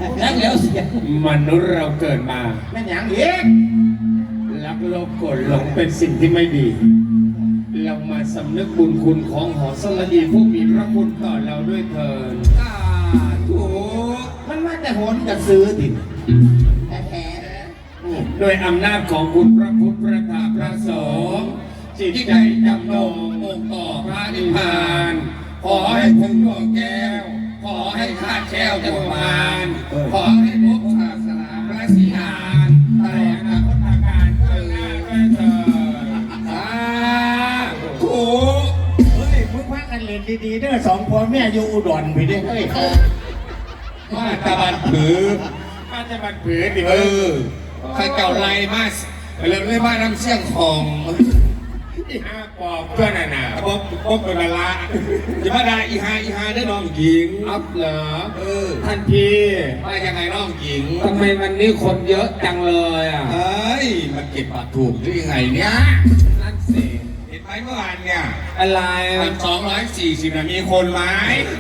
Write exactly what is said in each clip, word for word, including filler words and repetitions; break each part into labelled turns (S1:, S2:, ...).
S1: นั่งแล้วเสียง
S2: มนุษย์เราเกิดมา
S1: แม่นอย่างอีก
S2: รักโลภโกรธหลงเป็นสิ่งที่ไม่ดีเรามาสำนึกบุญคุณของหอสระดีผู้มีพระคุณต่อเราด้วยเถิด
S1: ถูกมันมาแต่โหนกระซื้อติแท้
S2: โดยอำนาจของคุณพระพุทธพระธรรมพระสงฆ์จิตใจจำนงองค์ต่อพระนิพพานขอให้ถึงดวงแก้วขอให้ข้าแก้วจักรวาลขอให้พบศาสนาพระศรีอานตลอดอนาคตการเกิดด้วยเถิดสาธุ
S1: เฮ้ยมึงพักกันเล่นดีๆเด้อสองพ่อแม่อยู่อุดรไปได้เฮ้ย
S2: มาตะบันผือมาตะบันผือดิเออใครเก่าไรมาเริ่มเลยมาน้ำเสี่ยงของอีห้าปอบเพื่อนน่ะปอบปอบเป็นเวลาจะมาได้อีห้าอีห้าได้น้องหญิงอัพเหรอเออท่านพี่มายังไงน้องหญิงทำไมวันนี้คนเยอะจังเลยอ่ะเฮ้ยมันเก็บปากถูกหรือยังไงเนี่ยนั่นสิเห็นไหมเมื่อวานเนี่ยอะไรมันสองร้อยสี่สิบนะมีคนไหม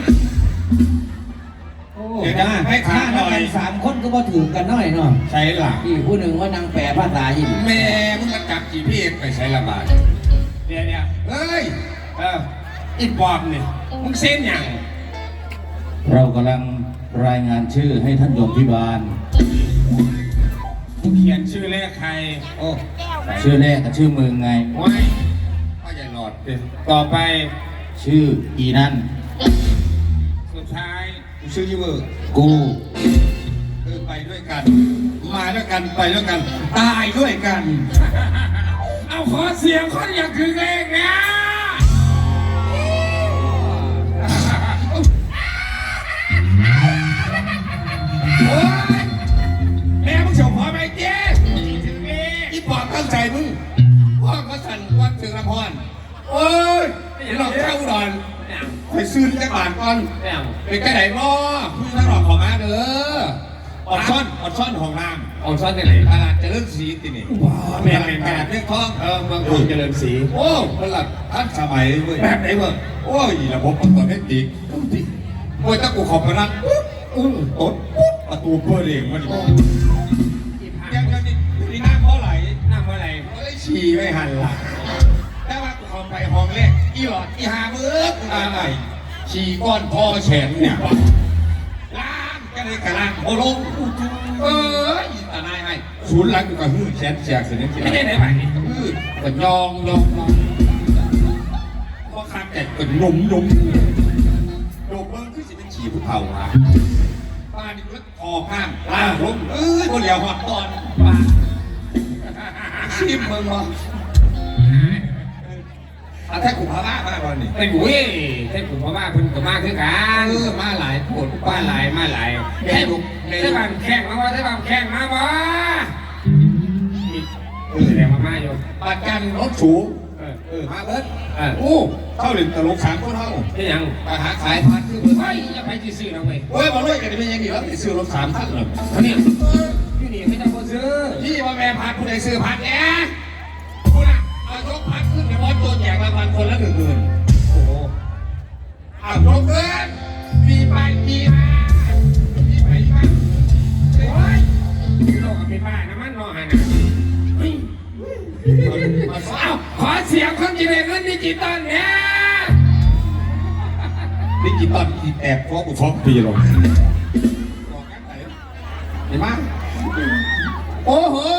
S1: เดี๋ยวนะให้ข้าหน่อยสามคนก็มาถือกันหน่อยเนาะ
S2: ใช่หลัก
S1: อีกผู้หนึ่งว่านางแปรภาษาหิน
S2: แม่มึงมาจับกี่พี่ไปใช้ละบาทเดี๋ยวเนี่ยเฮ้ยเอออีปอบเนี่ยมึงเส้นอย่าง
S3: เรากำลังรายงานชื่อให้ท่านโยมพิบาล
S2: มึงเขียนชื่อเลขใคร
S3: โอ้ชื่อแรกกับชื่อมึงไง
S2: ไว้พ่อใหญ่หลอดต่อไป
S3: ชื่ออีนั่น
S2: สุดท้ายชื่อยี่เวอร์
S3: กู
S2: คือไปด้วยกันมาด้วยกันไปด้วยกันตายด้วยกันเอาขอเสียงคนอย่างคือเลขนะโอ้ยแม่มึงเฉาพอไหมเจ๊อีปอบตั้งใจมึงพ่อก็สั่นวัดถึงละพรโอ้ยหลอกเข้าดอนไปซื้อจักรบาทก่อนเป็นแค่ไหนบ่พี่ทั้งหลอกขอมาเด้ออดซ่อนอดซ่อนของน้ำอดซ่อนที่ไหนตลาดเจริญศรีตินี่ว้าวแม่เป็นตลาดเรื่องทองเออเมืองทองเจริญศรีโอ้ตลาดท่านสมัยเว้ยแบบไหนเว้ยโอ้ยระบบมันตัวเน็ตดิโอ้ยถ้ากูขอบพนันปุ๊บอือตดปุ๊บประตูเปิดเองมันอยู่ยังยังนี่นี่น้ำเพราะไหลน้ำเพราะไหลเฮ้ยฉี่ไม่หันหลังแต่ว่ากูเข้าไปห้องแรกอีหลอดอีหามืออะไรฉี่ก้อนพ่อแฉนเนี่ยล้างก็เลยกระล้างโอลงเอ้ยตาหน้าให้ศูนย์หลังกูก็หื้อแฉนแฉกเสร็จแล้วไม่ได้ไหนไปหื้อก็ยองยองยองว่าข้าแก่ก็นมนมโดมเบิ้งคือสิเป็นฉี่ผู้เฒ่าอ่ะป้านี่ก็คอข้ามล้างลงเอ้ยคนเหลียวหอดตอนป้าชิมมึงวะอาแท้ขุนพม่ามากวันนี้ไอ้บุ้ยแท้ขุนพม่าคุณกับมาคือกันเออมาหลายปวดป้าหลายมาหลายแท้บุกแท้บางแข้งมาว่าแท้บางแข้งมาบ่เออแรงมาๆอยู่ปัดกันรถสูงเออเออมาเบิร์ดเออโอ้เข้าหนึ่งตลกสามคนเท่าเป็นยังไปหาขายพันคือเบิร์ดเฮ้ยจะไปที่ซื้อนะเว้ยโอ้ยบอกเลยกันเป็นยังไงแล้วไปซื้อรถสามท่านเหรอท่านเนี่ยที่นี่ไม่ต้องไปซื้อที่ว่าแม่พันผู้ใดซื้อพันเนี่ยคุณอะเอายกพันขึ้นเดี๋ยวบอสตัวแจกรางวัลคนละหนึ่งหมื่นโอ้โหเอาลงเงินมีไปมีมามีไปมาโอ้ยโลกกับมีบ้านะมันรอหันเอาขอเสียงคนจีนเงินดิจิตอลเนี่ยดิจิตอลอีแอบฟ้องกูฟ้องปีหรอกเห็นไหมโอ้โห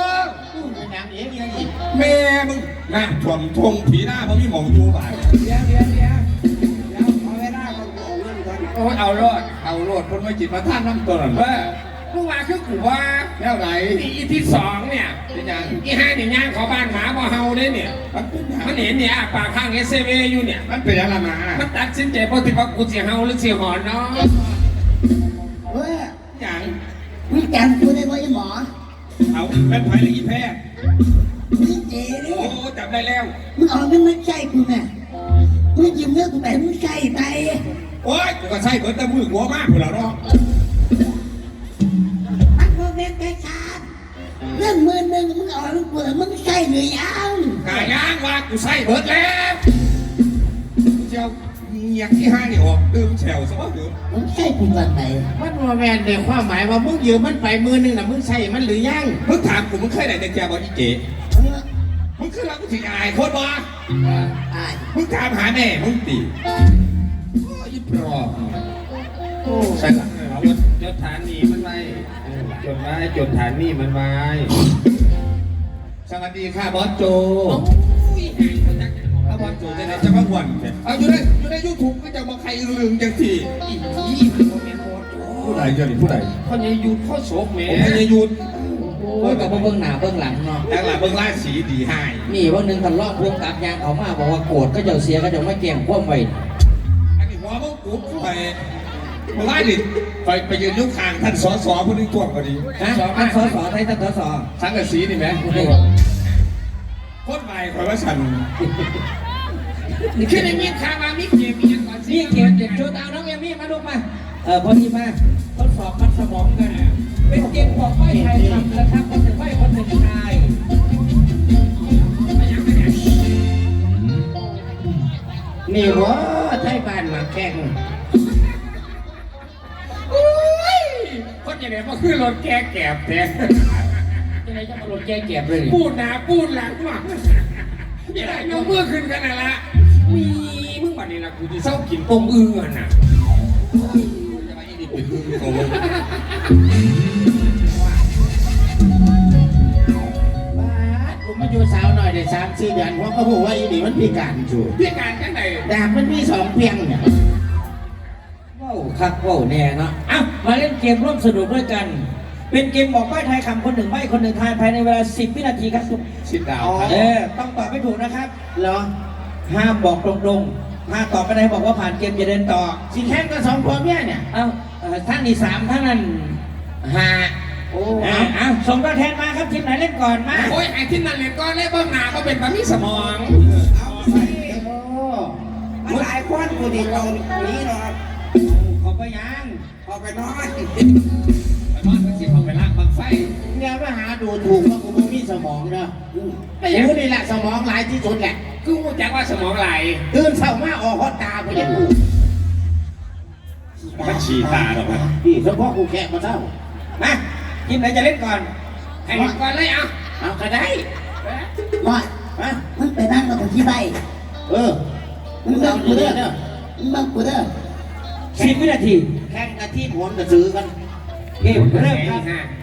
S2: แม่มึงน่าถ่วงทวงผีหน้าเพราะมีหมองยูบ่าย
S1: เดี๋ยวเดี๋ยวเดี๋ยวเดี๋ยวเอาเวลาเอาเงินก่อน
S2: โอ้ยเอาโลดเอาโลดคนไม่จิตมาท่านน้ำตัวหน่อยเออเมื่อวานคือกูว่าแล้วไหนอีที่สองเนี่ยเป็นยังอีห้าเนี่ยย่างเขาบ้านหมาบ่เฮาเนี่ยเนี่ยมันเห็นเนี่ยปากข้างเอสเซเวอยู่เนี่ยมันเป็นอะไรมามันตัดสินใจเพราะที่ว่ากูเสียเฮาหรือเสียหอนเนาะ
S1: เฮ้ย
S2: อย่าง
S1: มึงจำกูได้ไหมหมอ
S2: เอาเป็นไผ่หรืออีแพทย์
S1: มึงเจ๋ดิ
S2: โอ้จับได้แล้ว
S1: มึงเอาเงินมาใช้กูแม่มึงยืมเงินกูไปมึงใช้ไป
S2: โอ้ยกูก็ใช้เบิดแต่มือหัวมากกูแล้วเนาะ
S1: มันโมเมนต์ไปขาดเรื่องมือหนึ่งมึงเอาลูกเปลือกมึงใช้หรือยัง
S2: กายย่างว่ากูใช้เบิดแล้วเจ้างียกที่ห้านี่ออกตื่มแฉวซะว่าเถอะ
S4: มึงใช่กูตอนไหน
S1: มันว่าแมนในความหมายว่ามึงยืมมันไปมือหนึงน่ะมึงใช่มันหรือยัง
S2: มึงถามกูมึงเคยไหนในแกบอลอีเก๋
S4: เออ
S2: มึงคือรักกูถึงอายโคตรวะ
S4: อาย
S2: มึงถามหาแม่มึงตียี่ปลอกใช่หรอ
S5: จดจดฐานนี่มันไว้จดไว้จดฐานนี่มันไว้
S2: สวัสดีค่ะบอสโจถ้าบอสโจจะไหนจะมาหวนเอาอยู่ในอยู่ในยูทูบก็จะมาใครลืมจังที
S5: อีอีมันโมเมนต์โคตร
S2: ผู้ใดเจ้านี่ผู้ใด
S5: เขาจะหยุดข้อโศกแหม่
S2: ผมพยายุทธ
S1: โอ้ยกับเบื้องหน้าเบื้องหลังเนาะ
S2: แต่หลังเบิ่งล่าสีดีให้
S1: นี่วันหนึ่งกันลอกพวงกับยางเขามาบอกว่าโกรธก็จะเสียก็จะไม่แกล้งคว่ำไว้
S2: อันนี้หัวมึงกูไปมาไล่ดิไปไปยืนยุคคางท่านสอสอผู้นึงตัวพอดี
S1: ฮะท่านสสไทยท่านสส
S2: สังกะสีนี่ไหมโคตรใหม่คอยว่าฉัน
S5: คือในมีข่าวมามีเกมมีอย่างก่อนสิ
S1: นี่เกียรติเด็กโจตเอาน้องเอมี่มาลูกมาเออพอดีมาทดสอบมัดสมองกันเป็นเกมบอกไม่ไทยทำนะครับคนหนึ่งไม่คนหนึ่งชายนี่วะไทยบ้านมาแข่ง
S5: คนอย่างนี้ก็คือรถแก้แก็บแท้
S1: ยังไงจะมาหลุดแก้เก็บเลย
S5: พูดหนาพูดหลังมาอย่าได้ยกมือขึ้นกันนะละมีมึงบัดนี้นะกูจะเศร้ากินปมอื้อน่ะ
S2: จะมาอีนี่เป็นมือโกง
S1: บ้าผมมาอยู่สาวหน่อยได้สามสี่เดือนเพราะเขาบอกว่าอีนี่มันพิการอยู่
S5: พี่การจังไหน
S1: ดาบมันมีสองเพียงเนี่ยว้าวคักว้าวแน่เนาะเอ้ามาเล่นเกมร่วมสนุกด้วยกัน เป็นเกมบอกใบ้ทายคำคนหนึ่งใบ้คนหนึ่งทายภายในเวลาสิบวินาทีครับ
S2: ชิดดาวครับ
S1: เออต้องตอบไม่ถูกนะครับเหรอห้ามบอกตรงๆถ้าตอบไม่ได้บอกว่าผ่านเกมจะเดินต่อสิแข่งกันสองคนเนี่ยเนี่ยเอ้าเอ่อท่านนี่สามท่านนั้นห้าโอ้เอาเอาส่งตัวแทนมาครับทีมไหนเล่นก่อนมา
S5: โอ้ยไอ้ที่นั่นเลยก็เล่เบื้องหน้าก็เป็นแบบมีสมอง
S4: เอาไปมันหลายคนกูดีตรงนี้หรอก
S1: ขอไปยัง
S4: เอาไปนอน
S5: ไปบ้านมันสิเขาไปลากบังไฟ
S1: เนี่ยมาหาดูถูกว่ากูไม่มีสมองเนาะกูนี่แหละสมองหลายที่สุดแหละ
S5: คือกูแจ็คว่าสมองไหล
S1: ตื่นเช้ามาออกฮอตตาไปอย่างกู
S2: มันฉี่ตาหรอวะ
S1: พี่เฉพาะกูแค่มาเช้ามาทีมไหนจะเล่นก่อน
S5: ให้เห็นก่อนเลยอ่ะ
S1: เอาก็ได้
S4: ว่า
S1: มา
S4: มึงไปนั่งกับผมที่ใบ
S1: เออ
S4: มึงเลิกกูเด้อมึงเลิกกูเด้อ
S1: สิบวินาทีแข่งกันที่ผลกระซื้อกันเกมเริ่มครับ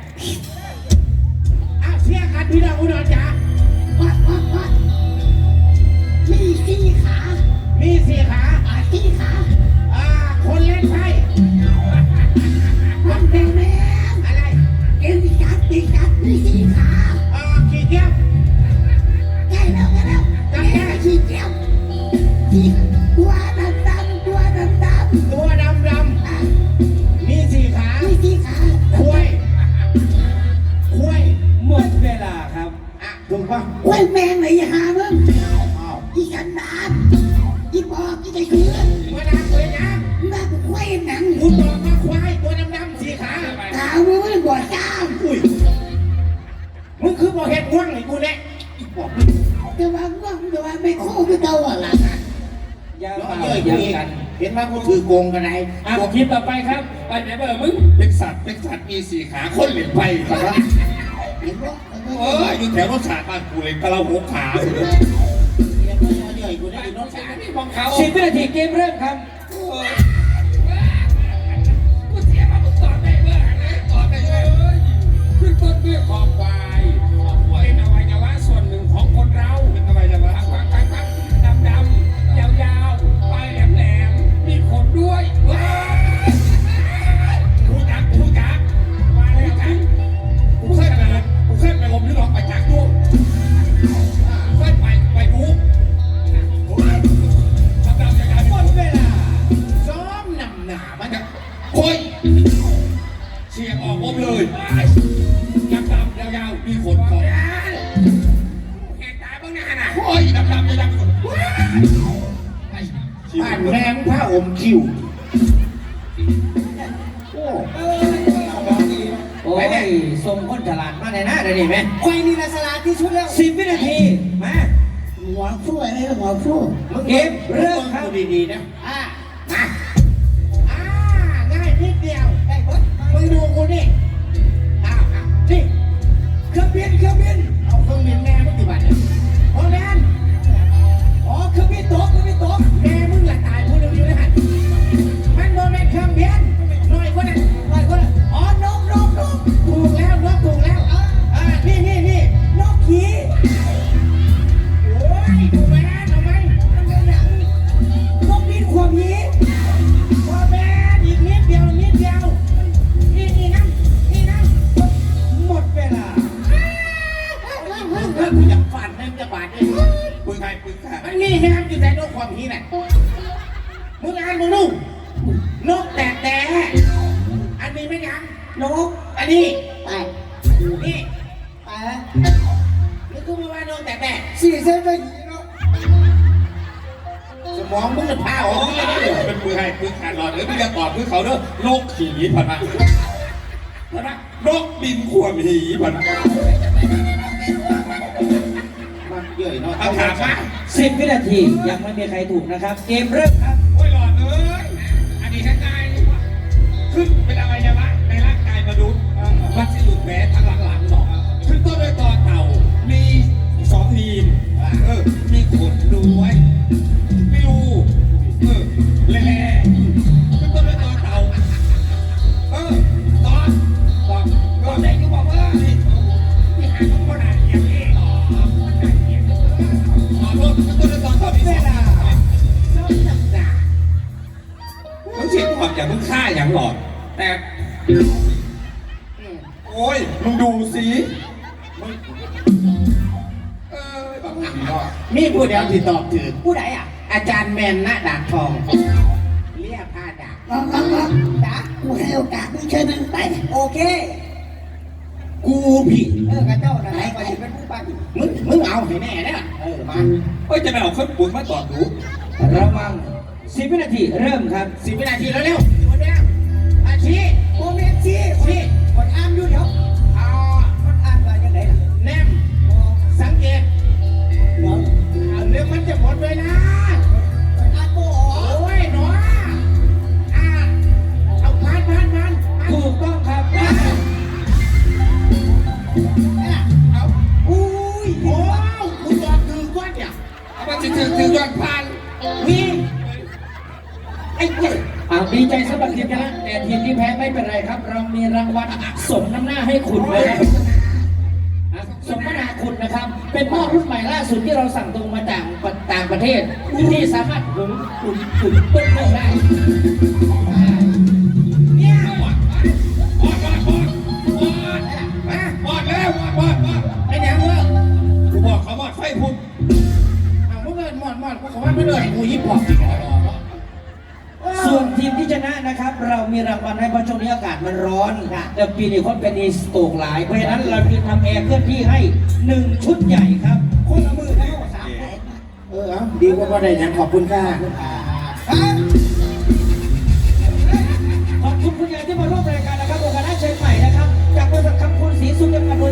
S1: อ้าวเชียร์กันพี่น้องอุดรจ๋า
S4: วัดวัดวัดมีสี่ขา
S1: มีสี่ขา
S4: อาสี่ขา
S1: อ่าคนเล่นไพ่
S4: มันเป็นแม่
S1: อะไร
S4: เกมที่จับที่จับมีสี่ขา
S1: อ่าขี้เกียจ
S4: ใกล้แล้วใกล้แล้วใกล้แล้วสี่เจียวสี่ตัวดำดำตัวดำดำ
S1: ตัวดำดำมีสี่ขา
S4: มีสี่ขา
S1: คุยคุย
S5: หมดเวลาครับ
S1: อ่ะถูกป่ะ
S4: กล้วยแมงไหนหามึง
S1: อ้าว
S4: อีกันดานอีบอกอีใจเกลือ
S1: เวลาคุยนะ
S4: น่ากูกล้วยหนัง
S1: คุณบอกว่าควายตัวดำดำสี่ขา
S4: ตามึงไม่บอดจ้าม
S1: อุ้ยมึงคือบอกเหตุว่างไอ้กูเนี่ยบอก
S4: แต่ว่าว่างแต่ว่าไม่โค้งคือเก่าอ่ะล่ะ
S1: อย่ามาเยอะกันเห็นว่ากูถือโกงกันไหน
S5: อ่ะคลิปต่อไปครับ ไปไหนเบอร์มึง
S2: เป็นสัตว์เป็นสัตว์มีสี่ขาคนเหลียญไปครับ
S4: เห็นบ่
S2: เอออยู่แถวรถสาดบ้านกูเลยกระเราหกขา
S1: เดี๋ยวมาเยอะๆกูได้ยินน้อง
S5: สา
S1: สาร
S5: นี่ของเขา
S1: สิบวินาทีเกมเริ่มครับ
S5: กูเสียมามึงตอบได้เบอร์อะไรตอบได้เลยขึ้นต้นด้วยคอควายเป็นอวัยวะส่วนหนึ่งของคนเรา
S2: เป็นอะไรจะวะ
S5: ปักปักปักดำดำยาวยาวปลายแหลมแหลมมีขนด้วยว้าวรู้จักรู้จักมาแล้วจัก
S2: กูเคยไปเลยกูเคยไปลมยุโรปไปจากดูเคยไปไปดูทำดำยังไง
S1: หมดเวลาซ้อมนำหนามันจะ
S2: โอ้ยเชียร์ออกผมเลยดำดำยาวๆมีขนของ
S5: แหกตาบ้างนะฮะน่ะ
S2: โอ้ยดำดำยาวๆ
S1: บ้านแมงผ้าอมคิวโอ้โอ้ยทรงคนฉลาดมากเลยนะเดี๋ยวนี้ไหม
S4: ควายนี่ละสลาดที่สุดแล้ว
S1: สิบวินาทีมา
S4: หัวฟูอะไรหัวฟู
S1: เกมเริ่มครับดีๆนะ
S4: อ่ะ
S1: ดูกูนี่อ้าวอ้าวนี่เครื่องบินเครื่องบินเอาเครื่องบินแม่มึงกี่บาทเนี่ยโอ้แมนอ๋อเครื่องบินตกเครื่องบินตกแม่มึงละตายพูดเร็วๆนะฮะมันโมเมนต์เครื่องบินหน่อยคนนั้นหน่อยคนนั้นอ๋อนกนกนกถูกแล้วนกถูกแล้วอ่านี่นี่นี่นกขี่โอ้ยดูแม่ทำไมมันเป็นหนังนกบินขวบหีขวบแม่อีกนิดเดียวนิดเดียวนี่นี่นะนี่นะหมดเวลาเรื่องกูอยากฝันให้มันจะบาดเลย
S2: ปืนใครปืนใคร
S1: มันนี่นะครับอยู่ในนกความหีน่ะมึงอ่านมึงดูนกแต่แต่อันนี้ไม่ยังนกอันนี้
S4: ไป
S1: นี่
S4: ไป
S1: นี่กูไม่ว่านกแต่แต่
S4: สี่เส้นไปหีเนาะ
S1: สมองมึงจะพาอ
S2: โอ้
S1: อก
S2: ย
S1: ไม่ได้เลย
S2: เป็นปืนใครปืนขาดหลอดเออพี่จะตอบปืนเขาเด้อโลกขี่ผ่านมาผ่านมานกบินขวบหีผ่านมา
S1: มันเยอะเนาะ
S2: เอาถามมา
S1: สิบวินาทียังไม่มีใครถูกนะครับ เกมเริ่มครับ
S2: โอ้ยหลอดเอ้ยอันนี้ง่ายๆขึ้นเป็นอะไรยะละในร่างกายมนุษย์มันจะหลุดแผลทางหลังๆหรอกขึ้นต้นด้วยตอเต่ามีสองทีมเออมีขนด้วยไม่รู้เออแหล่ๆขึ้นต้นด้วยตอเต่าเออตอนตอนตอนไหนก็บอกว่านี่ที่หาของคนอ่านเกียรติอ๋อขอโทษขึ้นต้นด้วยตอนตอนที่เวลา
S1: ชอบจับจ่า
S2: มึงเช็คความอย่างมึงฆ่าอย่างหลอด แต่โอ้ยมึงดูสิมึงเออแบบนี้เนาะ
S1: มีผู้เดียวที่ตอบถือ
S4: ผู้ใดอ่ะ
S1: อาจารย์แมนณดาบทองเรียกผ้าดาบ
S4: น้องน้องน้องจ๋ากูให้โอกาสมึงเชิญมึงไปโอเค
S1: กูผิด
S4: เออกระเจ้าไหนไปเป็นผู้ปัน
S1: มึงมึงเอาให้แน่เด้อเออมา
S2: เอ้ยจะไปเอาข้าวปุ๋ยมาตอดดู
S1: ระวังสิบวินาทีเริ่มครับสิบวินาทีแล้วเร็วหมดแล้วอาชี
S4: โมเมนต์ซีซีคนอ่านอยู่เดี๋ยว
S1: เอา
S4: คนอ่านว่ายังไงล่ะ
S1: แนมสังเกต
S4: เดี๋ยว
S1: เอาเรื่องมันจะหมดเลยนะ
S4: คนอ่านโมอ๋อ
S1: โอ้ยหนออ่าเอาพันพันพันถูกต้องครับเอาอุ้ยโอ้กูตอบถือก้อนเนี่ย
S2: เอามาถือถือถือยอดพัน
S1: วิ่งไอ้เจ้าอ่าดีใจสำหรับทีมชนะแต่ทีมที่แพ้ไม่เป็นไรครับ เรามีรางวัลสมน้ำหน้าให้คุณนะครับอ่ะสมนาคุณนะครับ เป็นหม้อรุ่นใหม่ล่าสุดที่เราสั่งตรงมาจากต่างประเทศที่สามารถหุงตุ๋นตุ๋นต้มนึ่งได้อ่าเนี่ย
S2: บอดบอดบอดบอดบอดบอดแล้วบอดบอดบอด
S1: ไอ้แหนมเว้ย
S2: กูบอกเขาบอดไฟพุ่ง
S1: เอาเมื่อเงินหมดหมดกูขอว่าไม่เลยกูยิบปอกจริงเหรอส่วนทีมที่ชนะนะครับ เรามีรางวัลให้เพราะช่วงนี้อากาศมันร้อนแต่ปีนี้คนเป็นอีสโตกหลายเพราะฉะนั้นเราจึงทำแอร์เคลื่อนที่ให้หนึ่งชุดใหญ่ครับ
S4: คนละมือแล้วสามแสน
S1: เออเอาดีกว่าบ่ได้ยังขอบคุณค่ะ
S4: อ่า
S1: ขอบคุณคุณยายที่มาร่วมรายการ